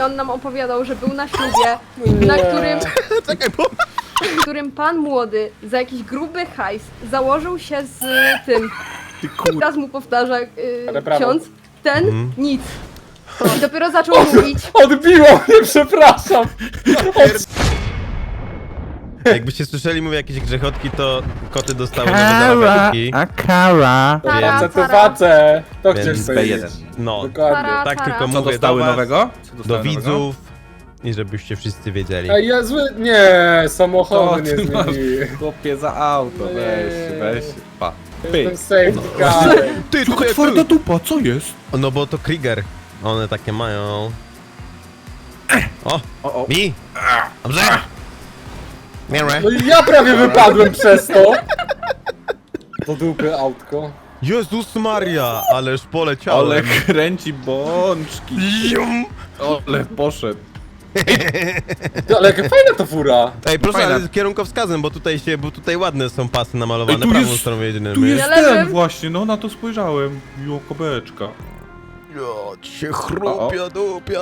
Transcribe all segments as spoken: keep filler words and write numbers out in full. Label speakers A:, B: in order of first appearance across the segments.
A: i on nam opowiadał, że był na ślubie, na którym,
B: Czekaj, bo...
A: w którym pan młody za jakiś gruby hajs założył się z tym.
C: Ty kur...
A: Teraz mu powtarza yy,
D: Ale brawo.
A: ksiądz, ten
B: Mhm.
A: nic. I dopiero zaczął mówić.
D: Odbiło mnie, przepraszam!
B: Jakbyście słyszeli, mówię jakieś grzechotki, to koty dostały nowe zabawki.
C: a kara.
A: Tara,
D: Facet to
A: tara.
D: facet! To chcesz
B: Więc
D: sobie
C: B jeden.
B: No,
D: Dokładnie.
A: Tara.
B: tak tylko
C: Co
B: mówię
C: dostały
B: do was,
C: nowego? Co
B: do
C: dostały
B: widzów i żebyście wszyscy wiedzieli.
D: Ej, ja zły... Nie, samochody nie
C: ty masz,
D: zmieniły.
C: chłopie, za auto,
D: Nie.
C: weź, weź, pa.
D: Jestem
C: Pyk.
D: safety car.
B: Ty,
C: Jaka twarda dupa, co jest?
B: No bo to Krieger. One takie mają. O!
C: O, o.
B: Mi! Dobrze! Miarę.
D: No i ja prawie wypadłem przez to. Do dupy autko.
B: Jezus Maria! Ależ poleciałem.
C: Ale kręci bączki.
B: Zium.
C: Ole, poszedł.
D: Ty, ale jaka fajna to fura.
B: Ej, proszę,
C: Fajna.
B: ale z kierunkowskazem, bo tutaj się, bo tutaj ładne są pasy namalowane,
C: Ej, tu
B: prawą
C: jest-
B: stroną jedynym.
C: Tu jest
A: Ja
C: ten
A: lewym.
C: właśnie, no na to spojrzałem. Jo, kobeczka.
B: Jo, cię chrupia, dupia.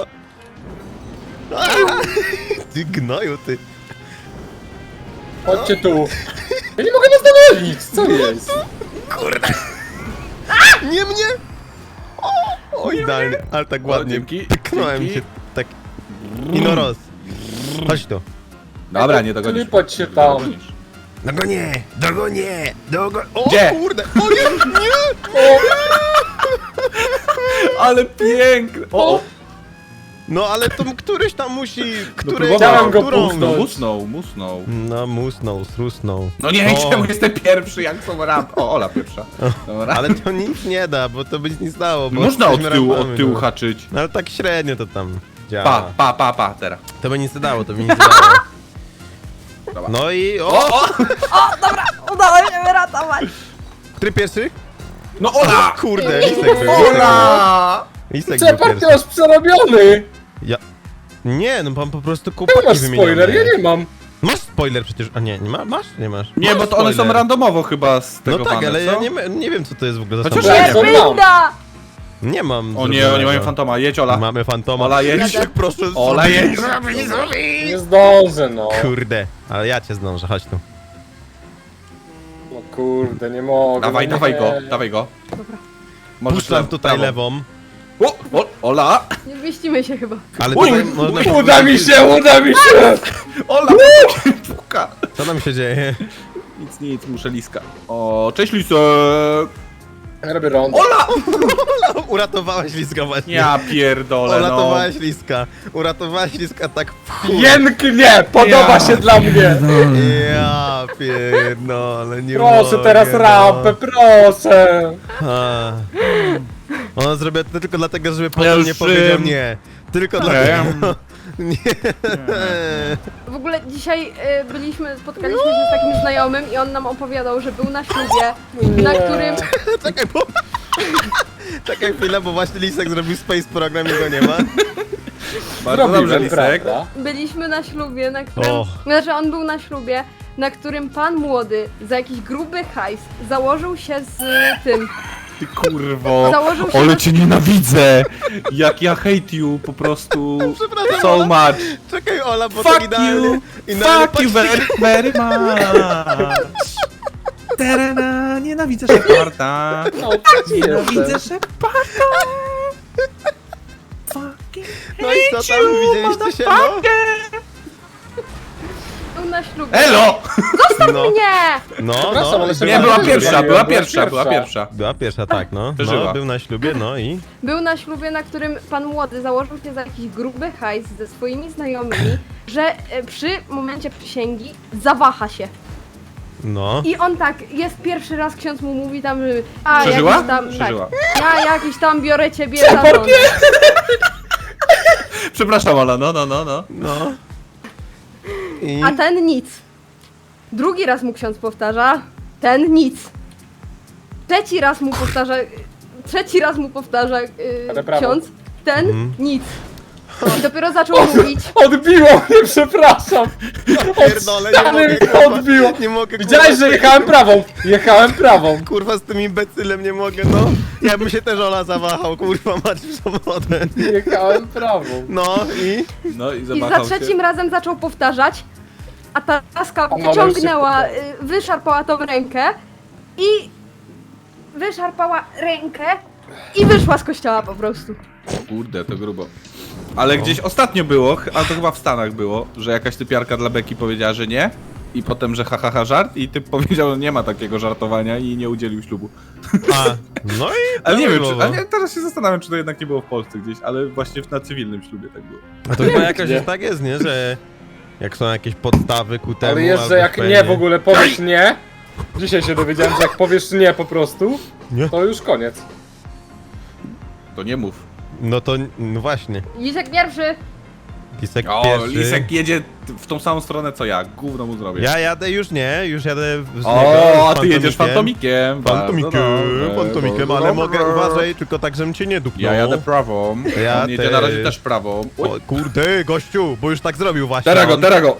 B: Ty gnoju, ty.
D: Chodźcie tu. Ja nie mogę was dogonić, co jest?
B: Kurde. Nie mnie! O, o idealnie, ale tak ładnie.
C: dzięki,
B: Pyknąłem
C: dzięki.
B: się tak. I no roz. Chodź tu.
C: Dobra, nie dogonisz.
D: Klepać się tam.
C: Dogonisz.
B: Dogonię, dogonię, dogo... O
C: Gdzie?
B: kurde, o nie, nie!
C: Ale piękny! O, o.
B: No ale to któryś tam musi, któryś
C: próbował.
D: Chciałem go
B: którą?
D: puchnąć.
C: Musnął, musnął.
B: No musnął, strusnął.
C: No nie,
B: O,
C: czemu jestem pierwszy, jak są rap. O, Ola pierwsza. Dobra.
B: ale to nic nie da, bo to by nic nie stało, bo
C: Można od
B: jesteśmy
C: tyłu,
B: rapami,
C: od tyłu
B: no.
C: haczyć.
B: No ale tak średnio to tam działa.
C: Pa, pa, pa, pa, teraz.
B: To by nic nie dało, to by nic nie dało.
C: Dobra.
B: No i o!
C: O, o!
A: O, dobra, udało się wyratować.
B: Który pierwszy?
C: No Ola!
B: Kurde, Lisek był. Lisek był.
C: Ola!
B: Lisek był
D: Czepar, ty
B: pierwszy.
D: masz przerobiony.
B: Ja... Nie, no pan po prostu
D: Ty
B: kupaki
D: masz
B: wymienione.
D: spoiler, ja nie mam.
B: Masz spoiler przecież, a nie, nie ma, masz? Nie masz?
C: Nie,
B: Masz
C: bo to one są
B: spoiler.
C: randomowo chyba z tego
B: No tak,
C: pana,
B: ale
C: co?
B: ja nie, nie wiem co to jest w ogóle za
C: Chociaż
B: samochód.
C: ja
D: to
C: nie.
D: mam.
A: Winda!
B: Nie mam
C: O nie, oni
B: zrobionego.
C: mają fantoma, jedź Ola.
B: Mamy fantoma.
C: Ola, jedź.
B: Lisek, proszę,
C: Ola,
B: zrobię.
C: jedź.
D: Nie zdążę, no.
B: Kurde, ale ja cię zdążę, chodź tu.
D: No kurde, nie mogę.
C: Dawaj,
D: no
C: dawaj
D: nie.
C: go, dawaj go.
A: Dobra,
C: Możesz
B: Puszczam
C: lew-
B: tutaj
C: prawą.
B: lewą.
C: O, o, Ola!
A: nie zmieścimy się chyba.
B: Ale
C: Uj,
B: tutaj można...
D: Uda mi się, uda mi się!
C: Ola! Puka!
B: Co tam się dzieje?
C: Nic, nic, muszę liska. O, cześć Lisek!
D: Ja robię rondo.
C: Ola!
B: Uratowałaś Liska właśnie.
C: Ja pierdolę, no.
B: Uratowałaś Liska. Uratowałaś Liska tak w chuj.
D: Pięknie! Podoba
C: Ja.
D: się dla mnie!
B: Ja pierdolę, nie
D: Proszę
B: mogę,
D: teraz
B: no.
D: rampę, proszę!
B: A. Ona zrobiła to tylko dlatego, żeby
C: Ja
B: potem
C: już
B: nie powiedział
C: szym.
B: nie. Tylko
C: Nie.
B: dlatego. Nie.
A: W ogóle dzisiaj y, byliśmy, spotkaliśmy się z takim znajomym i on nam opowiadał, że był na ślubie, na którym,
B: Czekaj, bo... Czekaj chwilę, bo właśnie Lisek zrobił space program i go nie ma.
C: Bardzo dobrze,
D: Zrobiłem,
C: Lisek.
D: prawda?
A: byliśmy na ślubie, na którym,
B: Och.
A: znaczy on był na ślubie, na którym pan młody za jakiś gruby hajs założył się z tym.
C: Ty kurwo.
A: Założył się
C: Ale
A: na-
C: cię nienawidzę! Jak ja hate you po prostu
B: Przepraszam,
C: so
B: Ola.
C: much.
B: Czekaj, Ola, bo
C: Fuck
B: tak idealnie...
C: you!
B: idealnie
C: Fuck you
B: patrz-
C: very, very much! Terena, nienawidzę Sheparda!
D: No, taki
C: Nienawidzę
D: jestem.
C: Sheparda! Fucking
B: No i co tam, widzieliście się, no?
A: Był na ślubie.
C: Elo!
B: No,
A: Nie!
B: no,
D: Przepraszam,
B: no.
D: ale się
C: Nie, była
D: Była
C: pierwsza, była
D: była
C: pierwsza, była
D: pierwsza.
C: pierwsza.
B: Była pierwsza, tak, no.
C: Przeżyła.
B: No, był na ślubie, no i...
A: Był na ślubie, na którym pan młody założył się za jakiś gruby hajs ze swoimi znajomymi, że e, przy momencie przysięgi zawaha się.
B: No.
A: I on tak, jest pierwszy raz, ksiądz mu mówi tam, że a
C: Przeżyła?
A: jakiś tam,
C: Przeżyła.
A: tak, ja jakiś tam biorę ciebie za żonę.
C: Przepraszam, Ola, no, no, no, no.
B: No. I...
A: A ten nic. Drugi raz mu ksiądz powtarza, ten nic. Trzeci raz mu powtarza, trzeci raz mu powtarza yy,
D: Ale brawo.
A: ksiądz, ten
B: Mhm.
A: nic. I dopiero zaczął mówić.
D: Odbiło mnie, przepraszam!
B: Pierdolę, nie
D: ściany
B: mogę,
D: mi
B: kurwa.
D: odbiło.
B: Nie mogę, kurwa.
D: Widziałeś, że jechałem prawą! Jechałem prawą!
B: Kurwa, z tym imbecylem nie mogę, no. Ja bym się też Ola zawahał, kurwa, mać w sobotę.
D: Jechałem prawą.
B: No i...
C: No i
A: I
C: zamachał
A: za
C: się.
A: trzecim razem zaczął powtarzać, a ta laska
D: Ona
A: wyciągnęła,
D: już
A: y, wyszarpała tą rękę i wyszarpała rękę i wyszła z kościoła po prostu.
C: Kurde, to grubo. Ale gdzieś ostatnio było, ch- a to chyba w Stanach było, że jakaś typiarka dla Beki powiedziała, że nie. I potem, że ha, ha, ha żart i typ powiedział, że nie ma takiego żartowania i nie udzielił ślubu.
B: A, no i...
C: Ale nie wiem, czy,
B: prawidłowo.
C: ale nie, teraz się zastanawiam, czy to jednak nie było w Polsce gdzieś, ale właśnie na cywilnym ślubie tak było.
B: A to chyba jakoś
D: Nie.
B: jest tak jest, nie? Że jak są jakieś podstawy ku temu,
D: Ale jest,
B: albo
D: że jak
B: pewnie-
D: nie w ogóle powiesz nie, dzisiaj się dowiedziałem, że jak powiesz nie po prostu,
B: Nie?
D: to już koniec.
C: To nie mów.
B: No to, no właśnie.
A: Lisek pierwszy.
B: Lisek
C: O,
B: pierwszy.
C: Lisek jedzie w tą samą stronę co ja, gówno mu zrobię.
B: Ja jadę już nie, już jadę z niego,
C: O, a
B: z
C: ty jedziesz
B: fantomikiem.
C: fantomikiem.
B: Fantomikiem,
C: Bardzo
B: fantomikiem,
C: dobrze,
B: ale
C: dobrze.
B: mogę, uważaj, tylko tak, żebym cię nie dupnął.
C: Ja jadę prawą,
B: Ja
C: on jedzie na razie
B: też.
C: też prawą. Oj,
B: O, kurde, gościu, bo już tak zrobił właśnie.
C: teraz go,
B: on.
C: teraz go.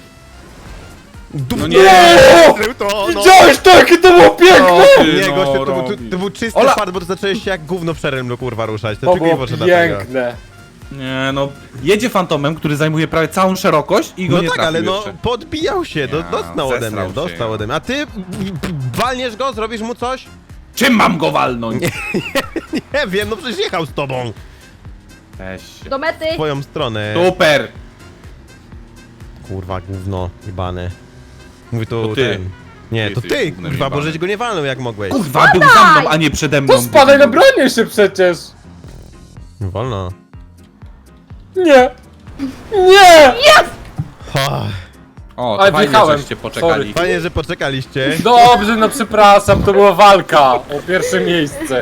B: Dupnął.
C: No nie!
B: Zrobił to, no.
D: Widziałeś to, jakie to było piękne!
C: O, ty,
B: Nie,
C: no,
B: gościu, to, był- to,
C: robi.
B: to był czysty
C: Ola!
B: fart, bo to zacząłeś się jak gówno w szerem, kurwa, ruszać. To,
D: To
B: tylko i
D: było
B: wyłącznie dlatego.
D: piękne.
C: Nie no, jedzie fantomem, który zajmuje prawie całą szerokość i go
B: No
C: nie
B: tak,
C: trafił
B: ale no,
C: jeszcze.
B: podbijał się, do,
C: Ja,
B: dostał ode
C: zesrał
B: mnie,
C: się,
B: dostał
C: ja.
B: ode mnie. A ty walniesz go, zrobisz mu coś?
C: Czym mam go walnąć?
B: Nie wiem, no przecież jechał z tobą.
C: Weź się.
A: Do mety.
B: W twoją stronę.
C: Super!
B: Kurwa, gówno, jebane. Mówi to
C: To ty.
B: ten. Nie,
C: Ty
B: to
C: jesteś
B: ty,
C: gównem
B: kurwa, bo
C: jebanym.
B: żeś go nie walnął jak mogłeś.
C: Kurwa, był za mną, a nie przede mną.
D: To spadaj na bronię się przecież!
B: Wolno.
D: Nie! Nie!
B: Ha,
C: O,
D: Ale
C: to fajnie,
D: wjechałem.
C: żeście poczekali.
D: Sorry.
B: fajnie, że poczekaliście.
D: Dobrze, no przepraszam, to była walka o pierwsze miejsce.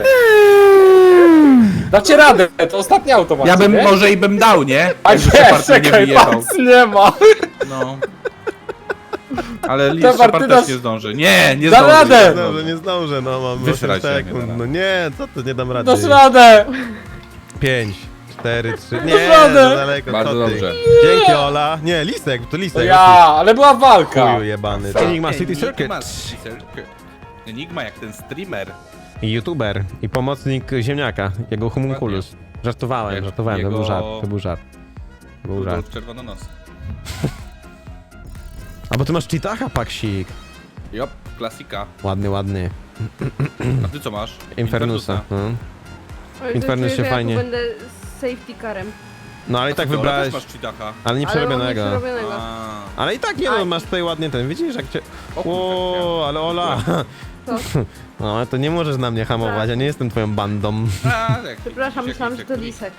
D: Dacie radę, to ostatni automat.
C: Ja bym
D: nie?
C: może i bym dał, nie?
D: A
C: Jakby
D: nie,
C: Shepard nie
D: czekaj,
C: wyjechał.
D: pas nie ma.
C: No. Ale Lis
D: Shepard,
C: Shepard
D: ty
C: też
D: nas-
C: nie zdąży. Nie, nie
D: Da
C: zdąży.
D: radę!
C: nie
B: Nie
C: zdąży.
B: zdążę, nie zdążę, no mam
C: Wysrać
B: osiem
C: się,
B: sekund.
C: nie da
B: No nie, co to, nie dam rady.
D: Dasz radę!
B: pięć, cztery, trzy, nie,
D: Dasz radę.
B: za daleko,
C: Bardzo
B: co ty?
C: dobrze.
B: Dzięki, Ola. Nie, Lisek, to
D: To
B: Lisek.
D: ja, ale była walka.
B: Chuju jebany. Enigma City Circuit.
C: Enigma City Circuit. Enigma jak ten streamer.
B: I youtuber, i pomocnik ziemniaka, jego homunculus. Żartowałem,
C: Jak
B: żartowałem, to był
C: jego-
B: żart, to był żart. To był żart.
C: Rudolf Czerwononos.
B: A bo ty masz cheatacha, paksik.
C: Jop, klasika.
B: Ładny, ładny.
C: A ty co masz?
B: Infernusa. No.
A: Oj, to
B: Infernus
A: czuję,
B: się
A: że ja tu
B: fajnie-
A: będę z safety carem.
B: No ale i tak
C: Ty, Ola,
B: wybrałeś,
C: też masz cheatacha.
B: ale nie
A: Ale mam
B: przerobionego.
A: nieprzerobionego.
C: A.
B: Ale i tak nie no,
A: Aj.
B: masz tutaj ładnie ten, widzisz jak cię...
C: O kurczę,
B: O, ale Ola!
A: Co?
B: No ale to nie możesz na mnie hamować, ja nie jestem twoją bandą.
C: A, jak-
A: Przepraszam,
C: jak
A: myślałam, że
C: Lisek
A: to
C: tu-
A: Lisek.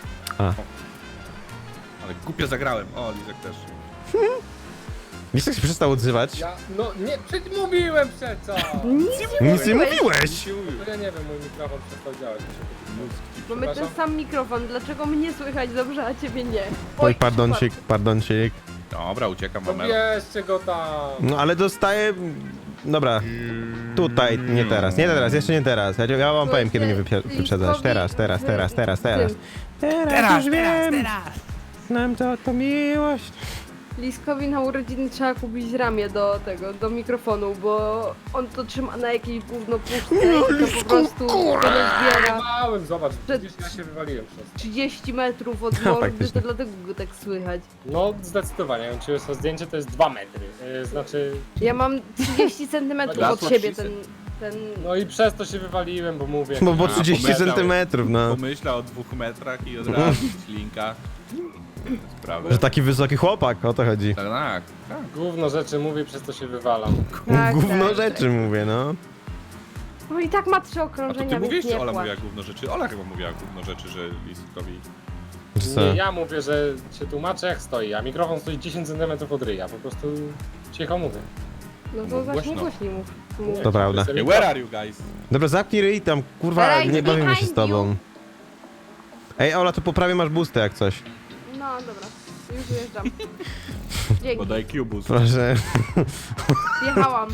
C: Ale głupio zagrałem. O, Lisek też.
B: Lisek się przestał odzywać.
D: Ja, no nie, przecież mówiłem przecież.
B: Nic nie
A: mówiłeś.
B: mówiłeś!
D: To ja nie wiem, mój mikrofon przestał działać.
A: Mamy ten
D: Przepraszam?
A: sam mikrofon, dlaczego mnie słychać dobrze, a ciebie nie?
B: Oj, pardoncik, pardoncik.
C: Dobra, uciekam,
D: No
C: Mamelo.
D: bierzcie go tam.
B: No ale dostaję... Dobra. Tutaj, nie teraz, nie teraz, jeszcze nie teraz. Ja, ja wam powiem, kiedy mnie wypie- wyprzedzasz. Teraz, teraz, teraz, teraz, teraz. Teraz, już wiem. Znam co to miłość.
A: Liskowi na urodziny trzeba kupić ramię do tego, do mikrofonu, bo on to trzyma na jakiejś gówno puszce i to po prostu to zbiera
D: Małem, zobacz,
A: Przed-
D: widzisz, ja się wywaliłem przez to.
A: trzydzieści metrów od
B: No,
A: mordy,
B: faktycznie.
A: to dlatego go tak słychać.
D: No zdecydowanie, ja ci wysłał zdjęcie, to jest dwa metry. Yy, znaczy,
A: Ja mam trzydzieści centymetrów
C: That's
A: od
C: what
A: siebie
C: she
A: ten, ten...
D: no i przez to się wywaliłem, bo mówię.
B: Bo, bo
C: A,
B: trzydzieści
C: pomyślał.
B: centymetrów, no.
C: Pomyślał o dwóch metrach i od razu ślinka. Sprawę.
B: Że taki wysoki chłopak, o to chodzi.
C: Tak, tak. tak.
D: Gówno rzeczy mówię, przez to się wywalam.
A: Tak,
B: Gówno
A: tak,
B: rzeczy mówię, no.
A: No i tak ma trzy
C: A to
A: okrążenia,
C: ty
A: więc
C: mówiłeś,
A: nie
C: czy Ola
A: płacz.
C: mówiła gówno rzeczy? Ola chyba mówiła gówno rzeczy, że Liskowi...
B: Że co?
D: Nie, ja mówię, że się tłumaczę jak stoi, a mikrofon stoi dziesięć centymetrów od ryja, po prostu cicho mówię.
A: No
C: Mów
A: to właśnie
C: głośno.
A: głośniej mów. mów.
B: To prawda.
C: Hey, where are you guys?
B: Dobra, zamknij ryj tam, kurwa,
A: Right
B: nie bawimy się z
A: behind
B: tobą. Ej, Ola, to poprawię, masz boosty jak coś.
A: No dobra, już wyjeżdżam. Dzięki,
C: Podaj Cubus.
B: Proszę.
A: wjechałam.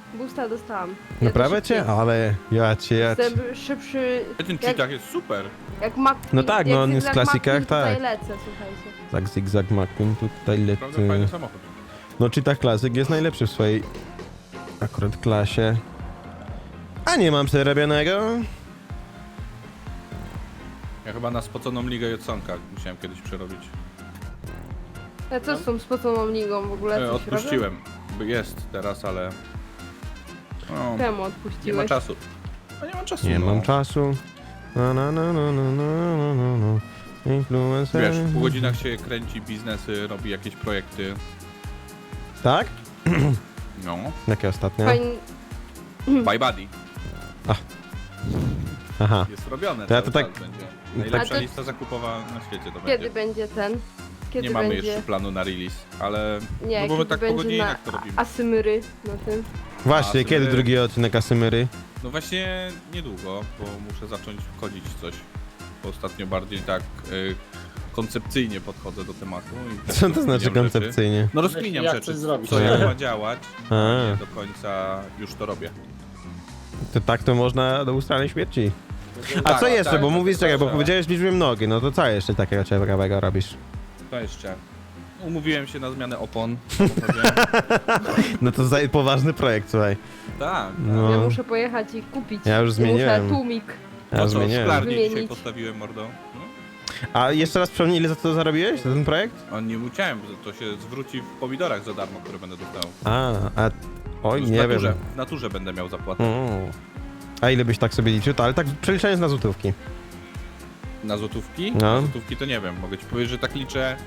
A: Boosta dostałam.
B: Naprawię
A: Jadę
B: cię?
A: szybciej.
B: Ale ja cię, ja cię.
A: Jestem szybszy,
C: Ten
A: Jak-
C: cheatach jest super.
A: jak McQueen.
B: No tak,
A: jak
B: no on jest w
A: zygzak
B: klasikach,
A: McQueen, tutaj
B: tak.
A: lecę, słuchajcie.
B: Tak, zigzag McQueen tutaj
C: Naprawdę fajny
B: leci.
C: samochód.
B: No Cheetah Classic jest najlepszy w swojej akurat klasie. A nie mam przerobionego.
C: Ja chyba na spoconą ligę Jodsonka musiałem kiedyś przerobić.
A: A co z tą spoconą ligą w ogóle?
C: E,
A: Coś
C: odpuściłem. By Jest teraz, ale... No,
A: robię? Czemu
C: nie ma
A: odpuściłeś?
C: czasu. No nie mam czasu,
B: Nie
C: no.
B: mam czasu. No, no, no, no, no, no, no, no, no. Influencer.
C: Wiesz, w pół godzinach się kręci biznesy, robi jakieś projekty.
B: Tak?
C: No.
B: Jakie ostatnio?
A: Fajnie.
C: Bye Buddy.
B: Aha.
C: Jest robione
B: To ja
C: cały
B: to tak-
C: czas będzie. Najlepsza
A: to-
C: lista zakupowa na świecie to
A: Kiedy
C: będzie.
A: będzie ten? Kiedy
C: Nie mamy
A: będzie?
C: jeszcze planu na release, ale...
A: Nie,
C: no bo my
A: kiedy
C: tak po
A: będzie na
C: godzinach to robimy.
A: Asymyry na tym.
B: Właśnie,
C: A,
B: kiedy
C: sobie-
B: drugi odcinek Asymyry?
C: No właśnie niedługo, bo muszę zacząć wchodzić w coś. Bo ostatnio bardziej tak y, koncepcyjnie podchodzę do tematu. I tak
B: Co to
C: rozkminiam
B: znaczy
C: rzeczy.
B: koncepcyjnie?
C: No rozkminiam
D: Jak
C: rzeczy,
D: coś zrobić.
C: co
B: A.
C: jak ma działać,
B: A.
C: a nie do końca już to robię.
B: To tak to można do ustanej śmierci. A
C: Tak,
B: co jeszcze?
C: tak,
B: bo
C: tak,
B: mówisz,
C: to
B: czekaj, bo
C: proszę.
B: powiedziałeś liczbę nogi, no to co jeszcze takiego ciekawego robisz?
C: To jeszcze. Umówiłem się na zmianę opon. w samochodzie.
B: No to za poważny projekt, słuchaj.
C: Tak.
B: No.
A: Ja muszę pojechać i kupić.
B: Ja już
A: I
B: zmieniłem.
A: Muszę tłumik.
B: Ja
C: No co,
B: zmieniłem.
C: szklarnię dzisiaj
A: Wymienić.
C: postawiłem mordo. No.
B: A jeszcze raz przypomnij, ile za to zarobiłeś, za ten projekt?
C: A nie musiałem, bo to się zwróci w pomidorach za darmo, które będę dostał.
B: A, a... Oj,
C: Już w
B: nie
C: naturze,
B: wiem.
C: w naturze będę miał zapłatę.
B: Mm. A ile byś tak sobie liczył? To, ale tak przeliczając na złotówki.
C: Na złotówki?
B: No.
C: Na złotówki to nie wiem, mogę ci powiedzieć, że tak liczę.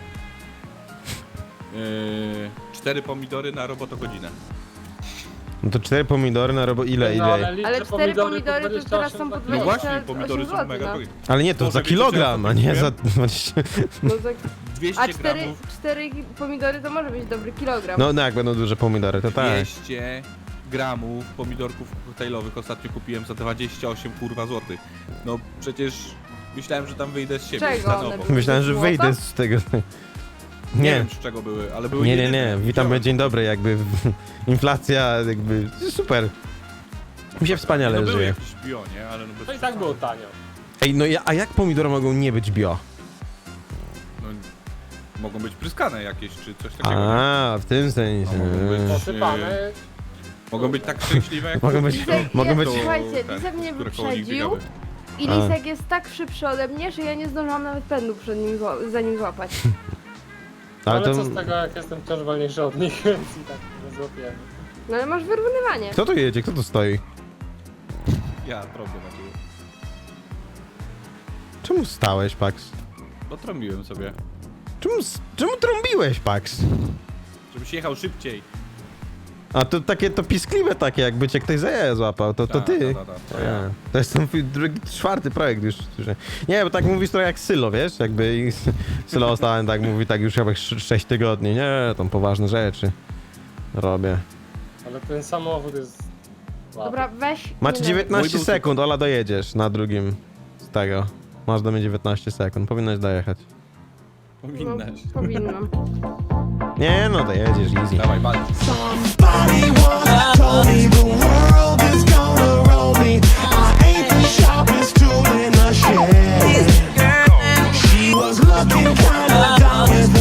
C: Yy, cztery pomidory na robotogodzinę.
B: No to cztery pomidory na robo... Ile,
D: No, ale
B: ile?
D: liczę
A: Ale cztery
D: pomidory
A: pomidory to
D: dwadzieścia
A: teraz
D: osiem
A: są po
D: za
C: No
A: dwadzieścia
C: właśnie,
A: osiem
C: pomidory są
A: złotych,
C: mega
A: no.
C: drogie.
B: Ale nie, to
C: Może
B: za
C: wiecie, co ja
B: kilogram,
C: to
B: a nie za...
C: kupiłem?
B: dwadzieścia.
A: No tak.
C: dwieście
A: A cztery,
C: gramów,
A: cztery pomidory to może być dobry kilogram.
B: No, no jak będą duże pomidory, to tak.
C: dwieście gramów pomidorków koktajlowych ostatnio kupiłem za dwadzieścia osiem kurwa złotych. No przecież myślałem, że tam wyjdę z siebie.
A: Czego
C: stanowo.
A: one były?
B: Myślałem, że
A: Złota?
B: wyjdę z tego.
C: Nie
B: Nie,
C: wiem z czego były, ale były
B: nie, nie,
C: jedyne.
B: nie. Witamy,
C: Wziąłem.
B: dzień dobry, jakby inflacja, jakby super. Mi się wspaniale
C: No były
B: żyje.
C: jakieś bio, nie? Ale no bez
D: To i tak było tanio.
B: Ej, no ja, a jak pomidory mogą nie być bio?
C: No, mogą być pryskane jakieś, czy coś takiego. nie?
B: A, w tym sensie.
C: A mogą być-
D: Posypane.
C: Mogą być tak szczęśliwe jak
B: Mogą być-
A: Lisek,
B: mogą
A: ja,
B: być-
A: Słuchajcie,
C: te,
A: Lisek mnie
C: które koło nich
A: wyprzedził
C: biegały.
A: i
B: A.
A: Lisek jest tak szybszy ode mnie, że ja nie zdążyłam nawet pędu przed nim zła- za nim złapać.
B: Ale
D: Ale
B: to...
D: co z tego, jak jestem wciąż wolniejszy od nich, więc i tak nie złapiemy.
A: No ale masz wyrównywanie.
B: Kto tu jedzie? Kto tu stoi?
C: Ja trąbię na ciebie.
B: Czemu stałeś, Pax?
C: No trąbiłem sobie.
B: Czemu, s- czemu trąbiłeś, Pax?
C: Żebyś jechał szybciej.
B: A to takie, to piskliwe takie, jakby cię ktoś za jaja złapał, to, to
C: Ta,
B: ty.
C: ta, ta, ta, to
B: A,
C: ja.
B: to jest ten twój drugi, czwarty projekt już. słyszę. Nie, bo tak mówisz trochę jak Sylo, wiesz? Jakby i Sylo ostatnio tak mówi, tak już chyba sześć tygodni. Nie, tam poważne rzeczy robię.
D: Ale ten samochód jest... Wow.
A: Dobra, weź.
B: Macie
A: nie
B: dziewiętnaście
C: Mój był
B: sekund, Ola, dojedziesz na drugim z tego. Masz do mnie dziewiętnaście sekund, powinnaś dojechać.
A: No,
C: Powinnaś.
A: powinnam.
B: Nie, no dojedziesz, easy.
C: Dawaj, walcz.
E: Somebody once told me the world is gonna roll me. I ain't the sharpest tool in the shed. She was looking kinda dumb with